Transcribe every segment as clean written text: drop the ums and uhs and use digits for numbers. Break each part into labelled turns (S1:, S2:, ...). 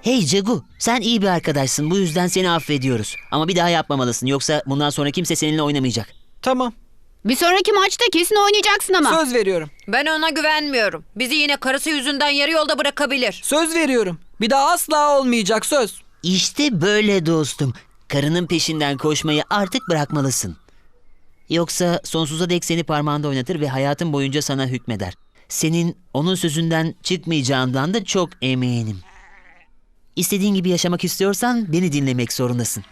S1: Hey Cegu, sen iyi bir arkadaşsın. Bu yüzden seni affediyoruz. Ama bir daha yapmamalısın. Yoksa bundan sonra kimse seninle oynamayacak.
S2: Tamam.
S3: Bir sonraki maçta kesin oynayacaksın ama.
S2: Söz veriyorum.
S4: Ben ona güvenmiyorum. Bizi yine karısı yüzünden yarı yolda bırakabilir.
S2: Söz veriyorum. Bir daha asla olmayacak söz.
S1: İşte böyle dostum. Karının peşinden koşmayı artık bırakmalısın. Yoksa sonsuza dek seni parmağında oynatır ve hayatın boyunca sana hükmeder. Senin onun sözünden çıkmayacağından da çok eminim. İstediğin gibi yaşamak istiyorsan beni dinlemek zorundasın.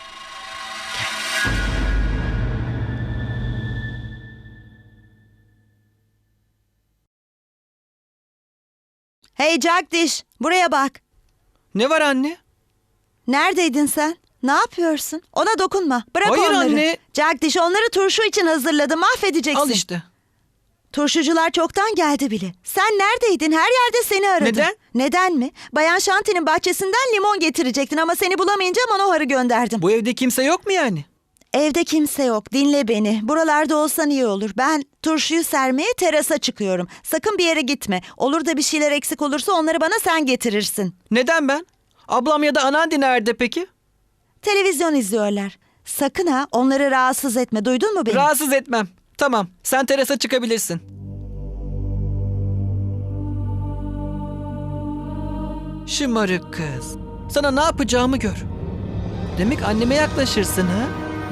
S5: Hey Jagdish, buraya bak.
S2: Ne var anne?
S5: Neredeydin sen? Ne yapıyorsun? Ona dokunma. Bırak
S2: Hayır
S5: onları.
S2: anne.
S5: Jagdish, onları turşu için hazırladım. Mahvedeceksin.
S2: Al işte.
S5: Turşucular çoktan geldi bile. Sen neredeydin? Her yerde seni aradım.
S2: Neden?
S5: Neden mi? Bayan Shanti'nin bahçesinden limon getirecektin ama seni bulamayınca Manohar'ı gönderdim.
S2: Bu evde kimse yok mu yani?
S5: Evde kimse yok. Dinle beni. Buralarda olsan iyi olur. Ben turşuyu sermeye terasa çıkıyorum. Sakın bir yere gitme. Olur da bir şeyler eksik olursa onları bana sen getirirsin.
S2: Neden ben? Ablam ya da anneanne nerede peki?
S5: Televizyon izliyorlar. Sakın ha, onları rahatsız etme. Duydun mu beni?
S2: Rahatsız etmem. Tamam, sen terasa çıkabilirsin. Şımarık kız. Sana ne yapacağımı gör. Demek anneme yaklaşırsın ha?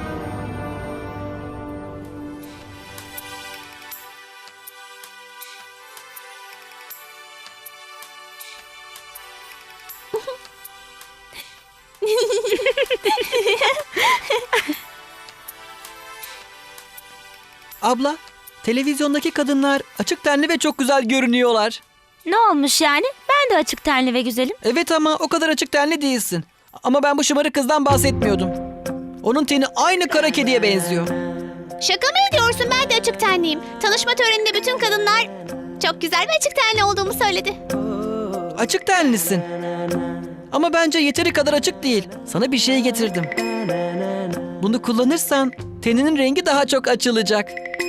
S2: Abla, televizyondaki kadınlar açık tenli ve çok güzel görünüyorlar.
S6: Ne olmuş yani? Ben de açık tenli ve güzelim.
S2: Evet ama o kadar açık tenli değilsin. Ama ben bu şımarık kızdan bahsetmiyordum. Onun teni aynı kara kediye benziyor.
S7: Şaka mı ediyorsun? Ben de açık tenliyim. Tanışma töreninde bütün kadınlar çok güzel ve açık tenli olduğumu söyledi.
S2: Açık tenlisin. Ama bence yeteri kadar açık değil. Sana bir şey getirdim. Bunu kullanırsan teninin rengi daha çok açılacak.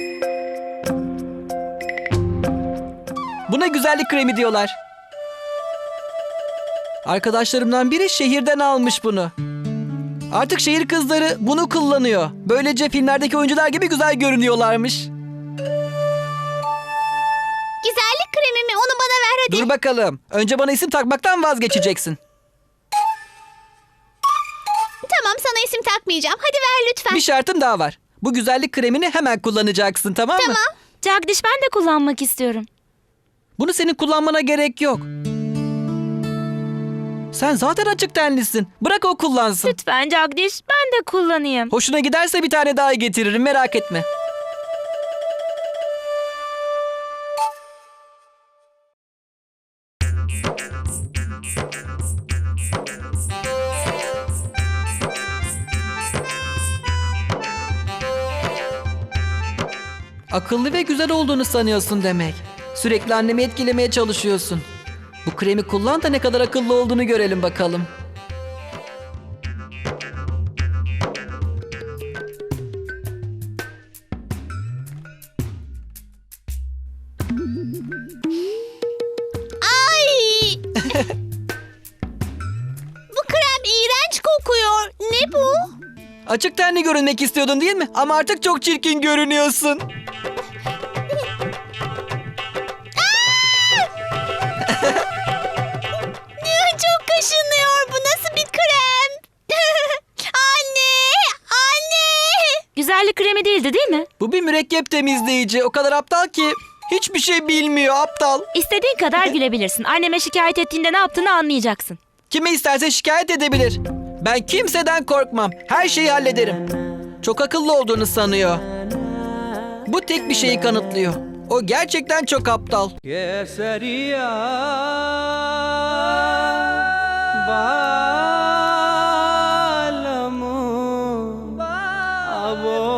S2: Buna güzellik kremi diyorlar. Arkadaşlarımdan biri şehirden almış bunu. Artık şehir kızları bunu kullanıyor. Böylece filmlerdeki oyuncular gibi güzel görünüyorlarmış.
S7: Güzellik kremimi onu bana ver hadi.
S2: Dur bakalım. Önce bana isim takmaktan vazgeçeceksin.
S7: Tamam, sana isim takmayacağım. Hadi ver lütfen.
S2: Bir şartım daha var. Bu güzellik kremini hemen kullanacaksın, tamam mı?
S7: Tamam.
S6: Jagdish, ben de kullanmak istiyorum.
S2: Bunu senin kullanmana gerek yok. Sen zaten açık tenlisin. Bırak o kullansın.
S6: Lütfen Jagdish, ben de kullanayım.
S2: Hoşuna giderse bir tane daha getiririm, merak etme. Akıllı ve güzel olduğunu sanıyorsun demek. Sürekli annemi etkilemeye çalışıyorsun. Bu kremi kullan da ne kadar akıllı olduğunu görelim bakalım.
S7: Ay! Bu krem iğrenç kokuyor. Ne bu?
S2: Açık tenli görünmek istiyordun değil mi? Ama artık çok çirkin görünüyorsun.
S7: Çok kaşınıyor. Bu nasıl bir krem? Anne! Anne!
S6: Güzellik kremi değildi değil mi?
S2: Bu bir mürekkep temizleyici. O kadar aptal ki hiçbir şey bilmiyor, aptal.
S6: İstediğin kadar gülebilirsin. Anneme şikayet ettiğinde ne yaptığını anlayacaksın.
S2: Kime isterse şikayet edebilir. Ben kimseden korkmam. Her şeyi hallederim. Çok akıllı olduğunu sanıyor. Bu tek bir şeyi kanıtlıyor. O gerçekten çok aptal.
S8: Keseria